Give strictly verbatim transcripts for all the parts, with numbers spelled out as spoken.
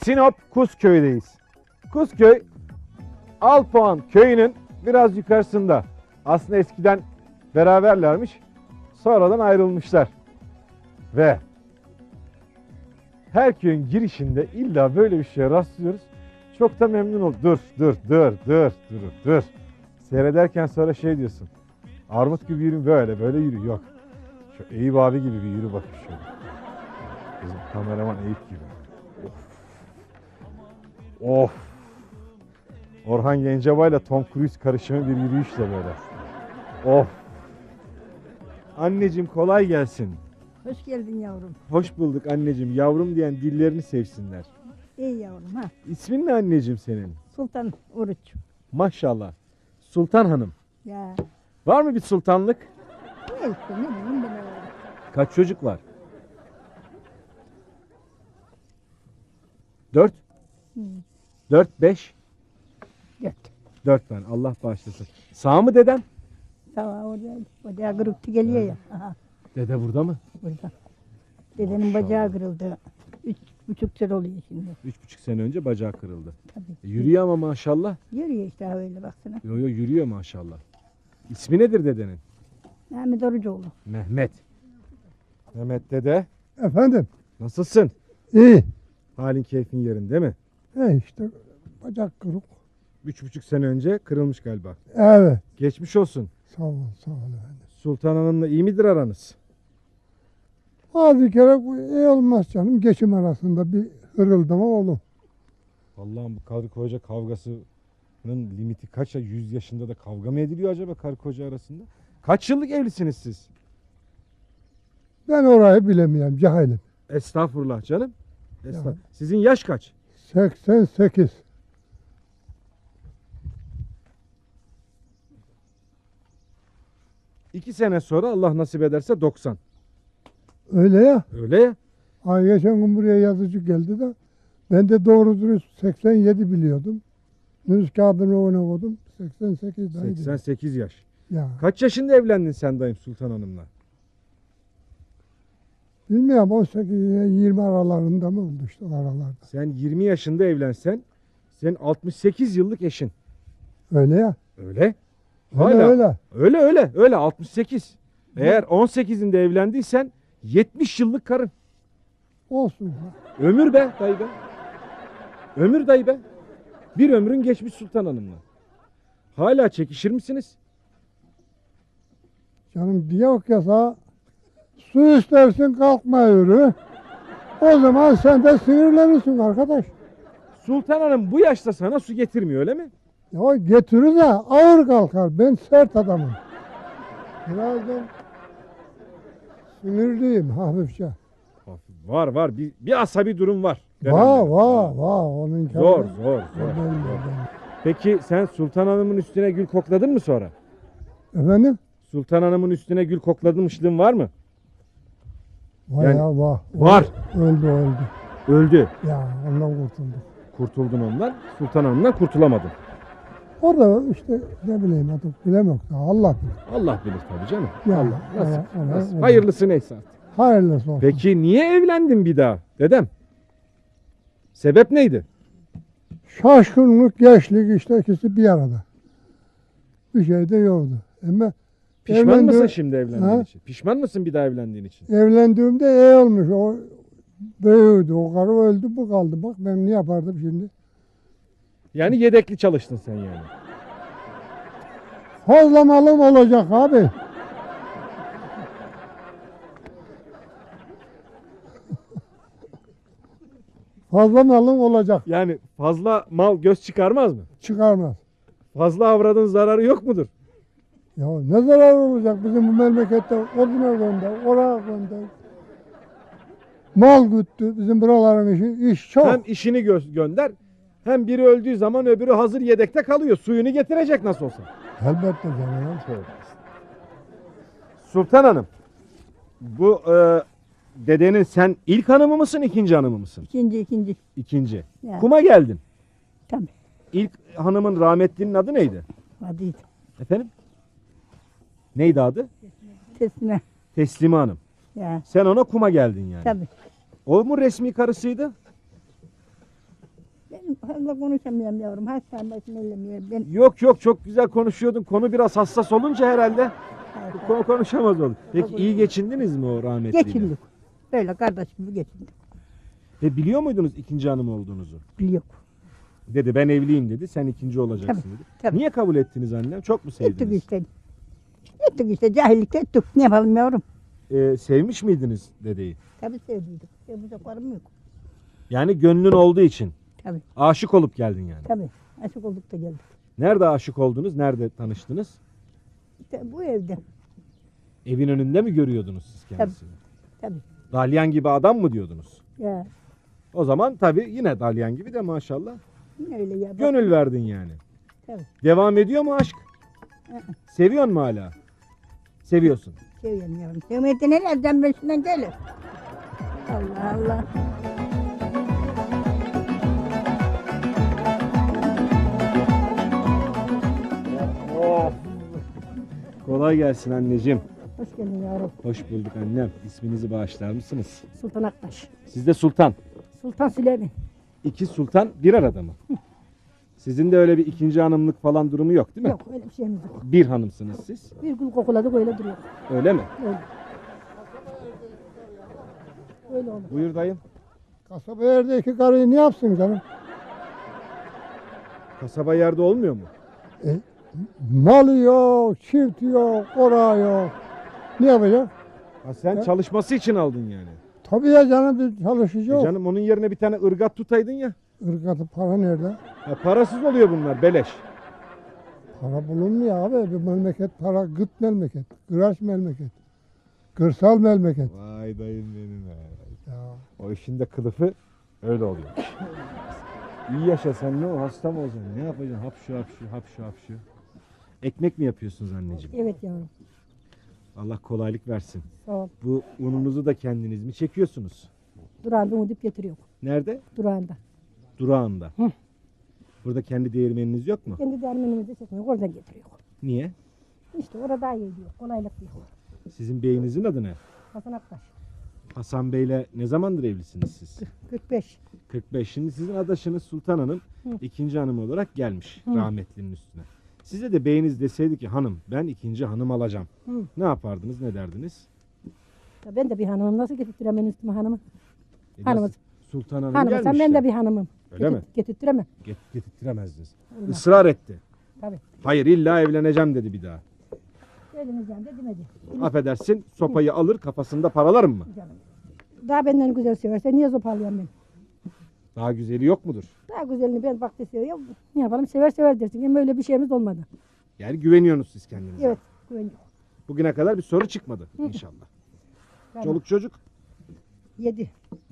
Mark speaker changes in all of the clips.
Speaker 1: Sinop Kuzköy'deyiz. Kuzköy, Alpuan köyünün biraz yukarısında. Aslında eskiden beraberlermiş. Sonradan ayrılmışlar. Ve her köyün girişinde illa böyle bir şeye rastlıyoruz. Çok da memnun oldum. Dur, dur, dur, dur, dur, dur. Seyrederken sonra şey diyorsun. Armut gibi yürü, böyle, böyle yürü. Yok. Şu Eyüp abi gibi bir yürü bakayım şöyle. Bizim kameraman Eyüp gibi. Of. Of. Orhan Gencebay ile Tom Cruise karışımı bir yürüyüşle böyle. Of. Anneciğim kolay gelsin.
Speaker 2: Hoş geldin yavrum.
Speaker 1: Hoş bulduk anneciğim. Yavrum diyen dillerini sevsinler.
Speaker 2: İyi yavrum ha.
Speaker 1: İsmin ne anneciğim senin?
Speaker 2: Sultan Oruç.
Speaker 1: Maşallah. Sultan Hanım.
Speaker 2: Ya
Speaker 1: Var mı bir sultanlık?
Speaker 2: ne işte ne bileyim ben öyle.
Speaker 1: Kaç çocuk var? Dört?
Speaker 2: Hı.
Speaker 1: Dört, beş?
Speaker 2: Dört.
Speaker 1: Dört tane. Allah bağışlasın. Sağ mı dedem?
Speaker 2: Tamam orada, orada gırıktı geliyor ya. Aha,
Speaker 1: Dede burada mı?
Speaker 2: burada. Dedenin
Speaker 1: Maşallah.
Speaker 2: bacağı kırıldı. Üç buçuk sene oluyor şimdi.
Speaker 1: Üç buçuk sene önce bacağı kırıldı.
Speaker 2: Tabii.
Speaker 1: E, yürüyor ama maşallah.
Speaker 2: Yürüyor işte öyle baksana.
Speaker 1: Yo yo yürüyor maşallah. İsmi nedir dedenin?
Speaker 2: Mehmet Orucoğlu.
Speaker 1: Mehmet. Mehmet dede.
Speaker 3: Efendim,
Speaker 1: Nasılsın?
Speaker 3: iyi.
Speaker 1: Halin keyfin yerinde değil mi?
Speaker 3: E işte bacak kırık.
Speaker 1: Üç buçuk sene önce kırılmış galiba.
Speaker 3: Evet.
Speaker 1: Geçmiş olsun.
Speaker 3: Sağ ol, sağ ol efendim.
Speaker 1: Sultan Hanım'la iyi midir aranız?
Speaker 3: Bazı kere bu iyi olmaz canım. Geçim arasında bir hırıldama olur.
Speaker 1: Vallahi bu karı koca kavgasının limiti kaç ya? yüz yaşında da kavga mı ediliyor acaba karı koca arasında? Kaç yıllık evlisiniz siz?
Speaker 3: Ben orayı bilemiyorum, cahilim.
Speaker 1: Estağfurullah canım. Estağfurullah.
Speaker 3: Ya.
Speaker 1: Sizin yaş kaç?
Speaker 3: seksen sekiz.
Speaker 1: İki sene sonra Allah nasip ederse doksan.
Speaker 3: Öyle ya.
Speaker 1: Öyle ya.
Speaker 3: Ay geçen gün buraya yazıcı geldi de ben de doğru dürüst seksen yedi biliyordum. Nüfus kağıdını ona koydum. seksen sekiz dayı dedi.
Speaker 1: seksen sekiz yaş.
Speaker 3: Ya
Speaker 1: Kaç yaşında evlendin sen dayım Sultan Hanım'la?
Speaker 3: bilmiyorum on sekiz ile yirmi aralarında mı oldu işte o aralarda.
Speaker 1: Sen yirmi yaşında evlensen senin altmış sekiz yıllık eşin.
Speaker 3: Öyle ya.
Speaker 1: Öyle.
Speaker 3: Öyle
Speaker 1: Hala.
Speaker 3: öyle.
Speaker 1: Öyle öyle öyle altmış sekiz. Eğer on sekizinde evlendiysen yetmiş yıllık karın.
Speaker 3: Olsun.
Speaker 1: Ömür be dayı be. Ömür dayı be. Bir ömrün geçmiş Sultan Hanım'la. Hala çekişir misiniz?
Speaker 3: Canım diyok ya sana, su istersin kalkma yürü. O zaman sen de sinirlenirsin arkadaş.
Speaker 1: Sultan Hanım bu yaşta sana su getirmiyor öyle mi?
Speaker 3: Ya getirir de ağır kalkar. Ben sert adamım. Birazdan sinirliyim hafifçe.
Speaker 1: Var var bir, bir asabi durum var.
Speaker 3: Vah
Speaker 1: Dedemde.
Speaker 3: vah vah onun
Speaker 1: Zor zor zor.
Speaker 3: Efendim,
Speaker 1: Peki sen Sultan Hanım'ın üstüne gül kokladın mı sonra?
Speaker 3: efendim?
Speaker 1: Sultan Hanım'ın üstüne gül koklamışlığın var mı?
Speaker 3: Vay
Speaker 1: Yani-
Speaker 3: ya vah.
Speaker 1: Var.
Speaker 3: Öldü öldü.
Speaker 1: Öldü.
Speaker 3: Ya ondan kurtulduk.
Speaker 1: Kurtuldun ondan. Sultan Hanım'dan kurtulamadın.
Speaker 3: Orada işte ne bileyim artık bilemem. Allah bilir.
Speaker 1: Allah bilir tabii canım.
Speaker 3: Ya,
Speaker 1: Allah nasip.
Speaker 3: ona- ona-
Speaker 1: nasip.
Speaker 3: ona-
Speaker 1: Hayırlısı neyse artık.
Speaker 3: Hayırlısı olsun.
Speaker 1: Peki niye evlendin bir daha dedem? Sebep neydi?
Speaker 3: Şaşkınlık, gençlik işte ikisi bir arada. Bir şey de yoktu. Ama
Speaker 1: Pişman
Speaker 3: evlendi-
Speaker 1: mısın şimdi evlendiğin
Speaker 3: Ha?
Speaker 1: için? Pişman mısın bir daha evlendiğin için?
Speaker 3: evlendiğimde iyi olmuş. O büyüdü. O karı öldü bu kaldı. Bak ben ne yapardım şimdi?
Speaker 1: Yani yedekli çalıştın sen yani.
Speaker 3: Fazla malım olacak abi. Fazla malım olacak.
Speaker 1: Yani fazla mal göz çıkarmaz mı?
Speaker 3: Çıkarmaz.
Speaker 1: Fazla avradın zararı yok mudur?
Speaker 3: Ya ne zarar olacak bizim bu memlekette oduna gönder, oraya gönder. Mal güttü bizim buraların işi, iş çok.
Speaker 1: Hem işini gö- gönder hem biri öldüğü zaman öbürü hazır yedekte kalıyor. Suyunu getirecek nasıl olsa.
Speaker 3: Elbette canım.
Speaker 1: Sultan Hanım, bu e, dedenin sen ilk hanımı mısın, ikinci hanımı mısın?
Speaker 2: İkinci ikinci.
Speaker 1: İkinci.
Speaker 2: Ya.
Speaker 1: Kuma geldin.
Speaker 2: Tabii.
Speaker 1: İlk hanımın rahmetlinin adı neydi?
Speaker 2: Vadiydi.
Speaker 1: Efendim? Neydi adı?
Speaker 2: Teslime.
Speaker 1: Teslime Hanım.
Speaker 2: Ya.
Speaker 1: Sen ona kuma geldin yani.
Speaker 2: Tabii.
Speaker 1: O mu resmi karısıydı?
Speaker 2: Fazla konuşamıyorum yavrum. Hastane başını ellemiyorum. Ben
Speaker 1: Yok yok, çok güzel konuşuyordun. Konu biraz hassas olunca herhalde konu konuşamaz olduk. Peki iyi geçindiniz mi o rahmetliyle?
Speaker 2: geçindik. Böyle kardeş gibi geçindik.
Speaker 1: Ve biliyor muydunuz ikinci hanım olduğunuzu?
Speaker 2: Biliyor.
Speaker 1: Dedi ben evliyim dedi. Sen ikinci olacaksın
Speaker 2: Tabii,
Speaker 1: dedi.
Speaker 2: tabii.
Speaker 1: Niye kabul ettiniz annem? Çok mu
Speaker 2: Ettik
Speaker 1: sevdiniz?
Speaker 2: işte. Ettik işte. Cahillikte ettik. Ne yapalım yavrum?
Speaker 1: Ee, sevmiş miydiniz dedeyi?
Speaker 2: Tabii sevdiydik. Sevmeyeceklerim yok.
Speaker 1: Yani gönlün olduğu için.
Speaker 2: Tabii.
Speaker 1: Aşık olup geldin yani.
Speaker 2: Tabii. Aşık olduk da geldik.
Speaker 1: Nerede aşık oldunuz? Nerede tanıştınız?
Speaker 2: İşte bu evde.
Speaker 1: Evin önünde mi görüyordunuz siz kendisini?
Speaker 2: Tabii.
Speaker 1: Dalyan gibi adam mı diyordunuz?
Speaker 2: Ya
Speaker 1: O zaman tabii yine dalyan gibi de maşallah.
Speaker 2: yine öyle ya. Bak,
Speaker 1: Gönül verdin yani.
Speaker 2: Tabii.
Speaker 1: Devam ediyor mu aşk?
Speaker 2: Hı hı.
Speaker 1: Seviyor mu hala? Seviyorsun.
Speaker 2: Seviyorum yavrum. Sevmeyeti nelerden başından gelir. Allah Allah.
Speaker 1: Kolay gelsin anneciğim.
Speaker 2: Hoş geldin yavrum.
Speaker 1: Hoş bulduk annem. İsminizi bağışlar mısınız?
Speaker 2: Sultan Aktaş.
Speaker 1: Siz de Sultan.
Speaker 2: Sultan Süleyman.
Speaker 1: İki sultan bir arada mı? Sizin de öyle bir ikinci hanımlık falan durumu yok değil mi?
Speaker 2: Yok öyle bir şeyimiz yok.
Speaker 1: Bir hanımsınız siz.
Speaker 2: Bir gül kokuladık öyle duruyor.
Speaker 1: Öyle mi?
Speaker 2: Öyle. Öyle olur.
Speaker 1: Buyur dayım.
Speaker 3: Kasaba yerdeki karıyı ne yapsın canım?
Speaker 1: Kasaba yerde olmuyor mu?
Speaker 3: E, malı yok, çift yok, orağı yok. Ne yapacak?
Speaker 1: Ha sen
Speaker 3: He?
Speaker 1: çalışması için aldın yani.
Speaker 3: Tabii ya canım bir çalışıcı
Speaker 1: E
Speaker 3: yok.
Speaker 1: canım onun yerine bir tane ırgat tutaydın ya.
Speaker 3: Irgatı para nerede?
Speaker 1: Ya parasız oluyor bunlar beleş.
Speaker 3: Para bulunmuyor abi. Bir memleket para gıt memleket. Kıraç memleket. Kırsal memleket.
Speaker 1: Vay dayım benim be.
Speaker 3: Ya.
Speaker 1: O işin de kılıfı öyle oluyor. İyi yaşa sen, ne o, hasta mı olacaksın? Ne yapacaksın? Hapşu hapşu hapşu hapşu. Ekmek mi yapıyorsunuz anneciğim?
Speaker 2: Evet yavrum.
Speaker 1: Allah kolaylık versin.
Speaker 2: Sağ ol.
Speaker 1: Bu ununuzu da kendiniz mi çekiyorsunuz?
Speaker 2: Durağında udip getiriyor.
Speaker 1: Nerede?
Speaker 2: Durağında.
Speaker 1: Durağında.
Speaker 2: Hı.
Speaker 1: Burada kendi değirmeniniz yok mu?
Speaker 2: Kendi dermenimizi çekmiyor. Oradan getiriyor.
Speaker 1: Niye?
Speaker 2: İşte orada iyi diyor. Kolaylık diyor.
Speaker 1: Sizin beyinizin adı ne?
Speaker 2: Hasan Aktaş.
Speaker 1: Hasan Bey'le ne zamandır evlisiniz siz?
Speaker 2: kırk beş.
Speaker 1: kırk beş. Şimdi sizin adaşınız Sultan Hanım
Speaker 2: Hı.
Speaker 1: ikinci hanım olarak gelmiş
Speaker 2: Hı.
Speaker 1: rahmetlinin üstüne. Size de beyiniz deseydi ki hanım ben ikinci hanım alacağım.
Speaker 2: Hı.
Speaker 1: Ne yapardınız, ne derdiniz?
Speaker 2: Ya ben de bir hanımım. Nasıl getirtiremem üstüme hanımı?
Speaker 1: E,
Speaker 2: Hanımız.
Speaker 1: nasıl? Sultan Hanım
Speaker 2: Hanımı sen
Speaker 1: gelmiş
Speaker 2: ben
Speaker 1: ya.
Speaker 2: de bir hanımım.
Speaker 1: Öyle mi?
Speaker 2: Getirtiremem.
Speaker 1: Get, getirtiremezdiniz.
Speaker 2: Olmaz.
Speaker 1: Israr etti.
Speaker 2: Tabii.
Speaker 1: Hayır illa evleneceğim dedi bir daha.
Speaker 2: Evleneceğim de demedi.
Speaker 1: Affedersin sopayı alır kafasında paralarım mı?
Speaker 2: Canım. Daha benden güzel severse niye zopalıyorum ben?
Speaker 1: Daha güzeli yok mudur?
Speaker 2: Daha güzelini ben baktı seviyor. Ne yapalım sever sever dersin. Ama öyle bir şeyimiz olmadı.
Speaker 1: Yani güveniyorsunuz siz kendinize.
Speaker 2: Evet. Güveniyor.
Speaker 1: Bugüne kadar bir soru çıkmadı inşallah.
Speaker 2: Tamam.
Speaker 1: Çoluk çocuk.
Speaker 2: Yedi.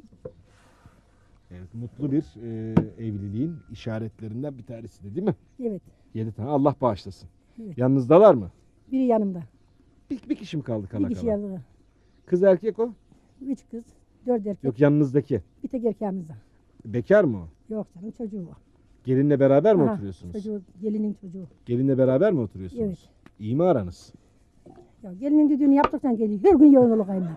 Speaker 1: Evet, mutlu bir e, evliliğin işaretlerinden bir tanesi de değil mi?
Speaker 2: Evet.
Speaker 1: Yedi tane Allah bağışlasın.
Speaker 2: Evet.
Speaker 1: Yanınızdalar mı?
Speaker 2: Biri yanımda.
Speaker 1: Bir, bir kişi mi kaldı kala
Speaker 2: Bir kişi
Speaker 1: kala?
Speaker 2: yanımda.
Speaker 1: Kız erkek o?
Speaker 2: Üç kız. Dört erkek.
Speaker 1: Yok yanınızdaki.
Speaker 2: Bir tek erkeğimizde.
Speaker 1: Bekar mı o?
Speaker 2: Yok canım çocuğu var.
Speaker 1: Gelinle beraber mi
Speaker 2: Aha,
Speaker 1: oturuyorsunuz?
Speaker 2: Çocuğu, gelinin çocuğu.
Speaker 1: Gelinle beraber mi oturuyorsunuz?
Speaker 2: Evet.
Speaker 1: İyi mi aranız?
Speaker 2: Ya gelinin düdüğünü yaptıktan geliyor. Her gün yoğun olur kaynar.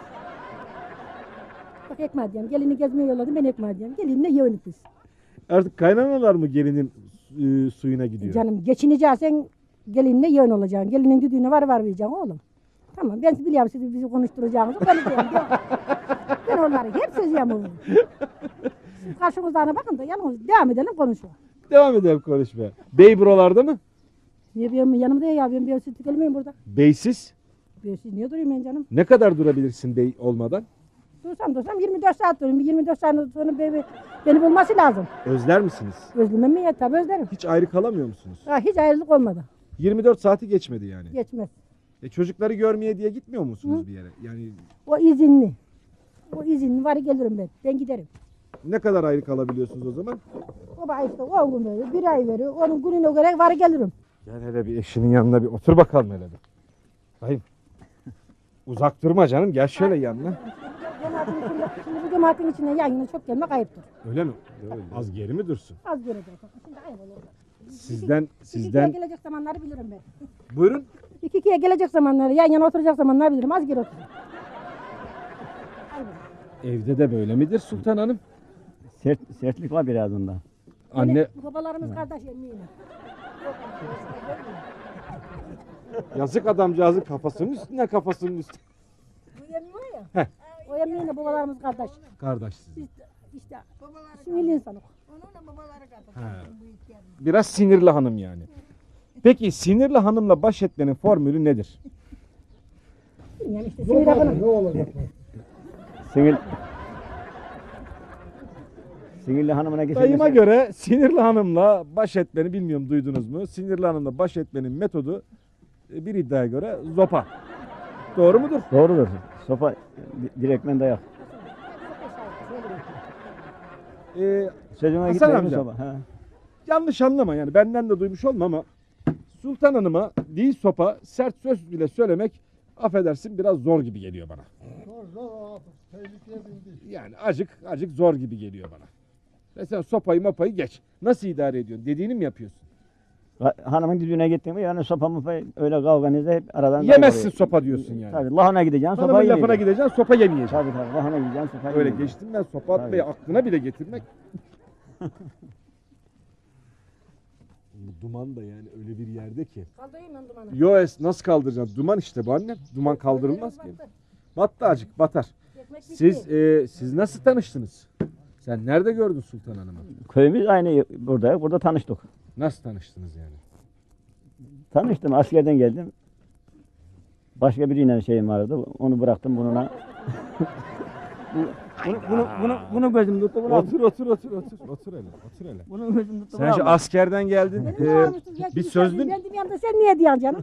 Speaker 2: Bak ekmeği diyeyim. Gelini gezmeye yolladım ben ekmeği diyeyim. Gelinle yoğunluk biz.
Speaker 1: Artık kaynanalar mı gelinin e, suyuna gidiyor?
Speaker 2: Canım geçineceksen gelinle yoğun olacaksın. Gelinin düdüğüne var var vereceksin oğlum. Tamam ben biliyorum sizi bizi konuşturacağınızı konuşuyorum. Ben onları hep sözüyorum oğlum. Siz karşımızdan bakın da yalnız devam edelim konuşuyor.
Speaker 1: Devam edelim konuşmaya. Bey buralarda mı?
Speaker 2: Niye benim yanımda ya ben bir süt gelmeyeyim burada.
Speaker 1: Beysiz.
Speaker 2: Bir siz niye durayım ben canım?
Speaker 1: Ne kadar durabilirsin bey olmadan?
Speaker 2: Dursam dursam yirmi dört saat durayım. yirmi dört saat sonra beni, beni bulması lazım.
Speaker 1: Özler misiniz?
Speaker 2: Özlemem mi ya? Tabii özlerim.
Speaker 1: Hiç ayrı kalamıyor musunuz?
Speaker 2: Ha, hiç ayrılık olmadı.
Speaker 1: yirmi dört saati geçmedi yani.
Speaker 2: Geçmez.
Speaker 1: E çocukları görmeye diye gitmiyor musunuz bir yere? Yani
Speaker 2: O izinli. O izinli var gelirim ben. Ben giderim.
Speaker 1: ne kadar ayrı kalabiliyorsunuz o zaman?
Speaker 2: O bana işte on gün veriyor. Bir ay veriyor. Onun gününe göre var gelirim.
Speaker 1: Gel hele bir eşinin yanına bir otur bakalım hele bir. Hayır. Uzak durma canım. Gel şöyle yanına.
Speaker 2: Cemaatin içinde, şimdi bu cemaatin içine yan yana çok gelmek ayıptır.
Speaker 1: Öyle mi? Az geri mi dursun?
Speaker 2: Az görecek. Şimdi ayıp olur.
Speaker 1: Sizden,
Speaker 2: İki
Speaker 1: sizden...
Speaker 2: ikiye gelecek zamanları bilirim ben.
Speaker 1: Buyurun.
Speaker 2: İki ikiye gelecek zamanları, yan yana oturacak zamanları bilirim. Az geri oturur.
Speaker 1: Evde de böyle midir Sultan Hanım?
Speaker 4: Sert, sertlik var biraz onda.
Speaker 1: Anne
Speaker 2: Yani babalarımız kardeş eminim.
Speaker 1: yazık adamcağızın kafasının üstüne kafasının üstüne.
Speaker 2: Bu emmi var ya.
Speaker 1: Heh.
Speaker 2: O emmiyle babalarımız kardeş.
Speaker 1: Kardeşsiz.
Speaker 2: Biz de işte sinirli insanız.
Speaker 1: Biraz sinirli hanım yani. Peki sinirli hanımla baş etmenin formülü nedir?
Speaker 2: Yani işte sinir yapalım.
Speaker 3: Ne olacak?
Speaker 4: Sinir... Sinirli hanımına geçelim.
Speaker 1: Dayıma göre sinirli hanımla baş etmeni bilmiyorum duydunuz mu? Sinirli hanımla baş etmenin metodu e, bir iddiaya göre zopa. Doğru mudur?
Speaker 4: Doğrudur. Sopa di- direktmen dayak.
Speaker 1: Ee,
Speaker 4: Sözüme
Speaker 1: Hasan
Speaker 4: gitmiyor mu
Speaker 1: amca.
Speaker 4: sopa? Ha.
Speaker 1: yanlış anlama yani benden de duymuş olma ama Sultan Hanım'a değil sopa sert söz bile söylemek affedersin biraz zor gibi geliyor bana.
Speaker 3: Zor zor abi. Tehlikeye bindi.
Speaker 1: Yani acık acık zor gibi geliyor bana. Ve sen sopayı mopayı geç. Nasıl idare ediyorsun? Dediğini mi yapıyorsun?
Speaker 4: Ha- Hanımın düdüğüne gittin mi yani sopa mopa öyle kavganızda hep aradan
Speaker 1: Yemezsin
Speaker 4: dayak
Speaker 1: sopa diyorsun yani.
Speaker 4: Tabii lahana gideceksin sopa
Speaker 1: Hanımın lafına
Speaker 4: yemeyeceksin.
Speaker 1: gideceksin sopa yemeyeceksin.
Speaker 4: Tabii tabii lahana gideceksin sopa
Speaker 1: Öyle
Speaker 4: yemeyeceksin.
Speaker 1: geçtim ben sopa atmayı
Speaker 4: Tabii.
Speaker 1: aklına bile getirmek. Bu duman da yani öyle bir yerde ki.
Speaker 2: Kaldırayım ben dumanı.
Speaker 1: Yo es nasıl kaldıracaksın? Duman işte bu annem. Duman kaldırılmaz ki. Battı acık batar.
Speaker 2: Ekmek bitti.
Speaker 1: Siz e, siz nasıl tanıştınız? Sen nerede gördün Sultan Hanım'ı?
Speaker 4: Köyümüz aynı burada. Burada tanıştık.
Speaker 1: Nasıl tanıştınız yani?
Speaker 4: Tanıştım askerden geldim. Başka biriyle şeyim vardı. Onu bıraktım bununla. Bu- bunu, bunu, bunu, bunu gözüm tuttu. Bunu
Speaker 1: Otur otur otur otur otur hele otur hele.
Speaker 4: Bunu gözüm tuttu.
Speaker 1: Sen şu askerden geldin.
Speaker 2: Benim
Speaker 1: e,
Speaker 2: ne varmışsın? Ya
Speaker 1: bir
Speaker 2: kimse
Speaker 1: sözlün.
Speaker 2: Ben de yanında sen niye diyorsun canım?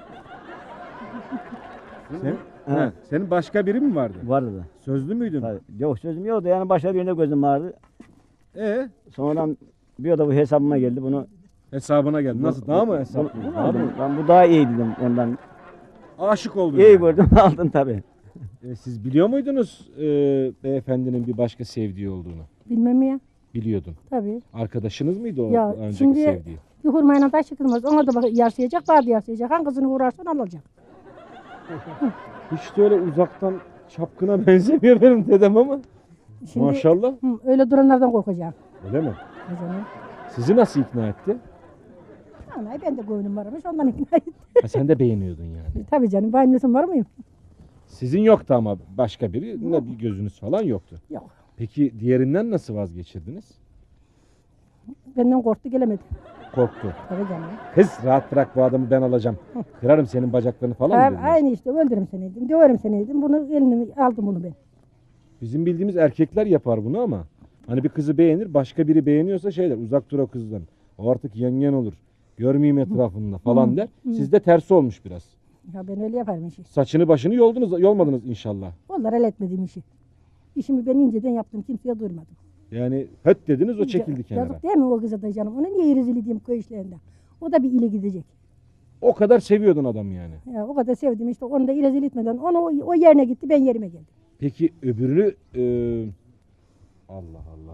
Speaker 1: Sen,
Speaker 4: Ha.
Speaker 1: ha, senin başka biri mi vardı?
Speaker 4: Vardı da.
Speaker 1: Sözlü müydün?
Speaker 4: Tabii. Yok sözüm yoktu yani başka birinde gözüm vardı.
Speaker 1: E
Speaker 4: Sonradan bir da bu hesabıma geldi bunu.
Speaker 1: hesabına geldi. Nasıl? Daha mı hesap?
Speaker 4: Bunu, bunu
Speaker 1: Daha mı?
Speaker 4: aldım. Ben bu daha iyi dedim ondan.
Speaker 1: Aşık oldun.
Speaker 4: İyi
Speaker 1: yani.
Speaker 4: gördüm aldın tabii.
Speaker 1: E, siz biliyor muydunuz e, beyefendinin bir başka sevdiği olduğunu?
Speaker 2: Bilmem mi ya?
Speaker 1: Biliyordun.
Speaker 2: Tabii.
Speaker 1: Arkadaşınız mıydı o
Speaker 2: Ya
Speaker 1: önceki
Speaker 2: şimdi-
Speaker 1: sevdiği?
Speaker 2: Bir hurmayla taş çıkılmaz. Ona da bak yarsayacak, bana da yarsayacak. Hangisini uğrarsan alacak.
Speaker 1: Hiç de öyle uzaktan çapkına benzemiyor benim dedem ama.
Speaker 2: Şimdi
Speaker 1: Maşallah.
Speaker 2: hı, öyle duranlardan korkacağım.
Speaker 1: Öyle mi?
Speaker 2: O zaman.
Speaker 1: Sizi nasıl ikna etti?
Speaker 2: Anay ben de gönlüm varmış ondan ikna ettim.
Speaker 1: Ha, sen de beğeniyordun yani.
Speaker 2: Tabii canım benim nesim var mıyım?
Speaker 1: Sizin yoktu ama başka biri ne bir gözünüz falan yoktu.
Speaker 2: Yok.
Speaker 1: Peki diğerinden nasıl vazgeçirdiniz?
Speaker 2: Benden korktu gelemedi.
Speaker 1: Korktu.
Speaker 2: Tabii canım.
Speaker 1: Kız rahat bırak bu adamı ben alacağım. Kırarım senin bacaklarını falan mı
Speaker 2: Ha,
Speaker 1: dediler?
Speaker 2: aynı işte öldürürüm seni dedim. Döverim seni dedim. Bunu elini aldım bunu ben.
Speaker 1: Bizim bildiğimiz erkekler yapar bunu ama hani bir kızı beğenir başka biri beğeniyorsa şeyler uzak dur o kızdan. O artık yengen olur. Görmeyeyim etrafında falan der. Sizde tersi olmuş biraz.
Speaker 2: Ya ben öyle yaparım işi.
Speaker 1: Saçını başını yoldunuz, yolmadınız inşallah.
Speaker 2: Onlar el etmediğim işi. İşimi ben inceden yaptım. Kimseye duyurmadım.
Speaker 1: Yani höt dediniz o çekildi
Speaker 2: İnce-
Speaker 1: kenara.
Speaker 2: Yazık değil mi o kıza da canım? Ona niye rezil edeyim köy işlerinde? O da bir ile gidecek.
Speaker 1: O kadar seviyordun adam yani.
Speaker 2: Ya o kadar sevdim işte onu da rezil etmeden. Onu o, o yerine gitti ben yerime geldim.
Speaker 1: Peki öbürünü e, Allah Allah.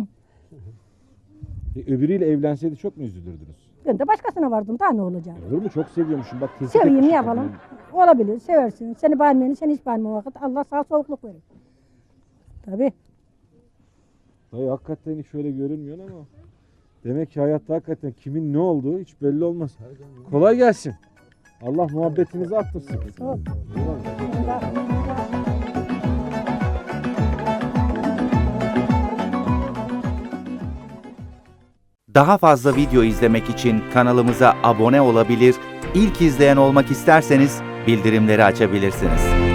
Speaker 1: E, öbürüyle evlenseydi çok mu üzülürdünüz?
Speaker 2: Ben de başkasına vardım daha ne olacak?
Speaker 1: Olur mu? Çok seviyormuşum. Bak tespit
Speaker 2: Seveyim ne
Speaker 1: etmişim
Speaker 2: yapalım?
Speaker 1: kadını.
Speaker 2: Olabilir seversin. Seni beğenmeyeni sen hiç beğenme vakit. Allah sağ soğukluk verir. Tabii.
Speaker 1: Dayı hakikaten hiç öyle görünmüyor ama. Demek ki hayatta hakikaten kimin ne olduğu hiç belli olmaz. Kolay gelsin. Allah muhabbetinizi arttırsın.
Speaker 2: Sağ ol.
Speaker 5: Daha fazla video izlemek için kanalımıza abone olabilir, ilk izleyen olmak isterseniz bildirimleri açabilirsiniz.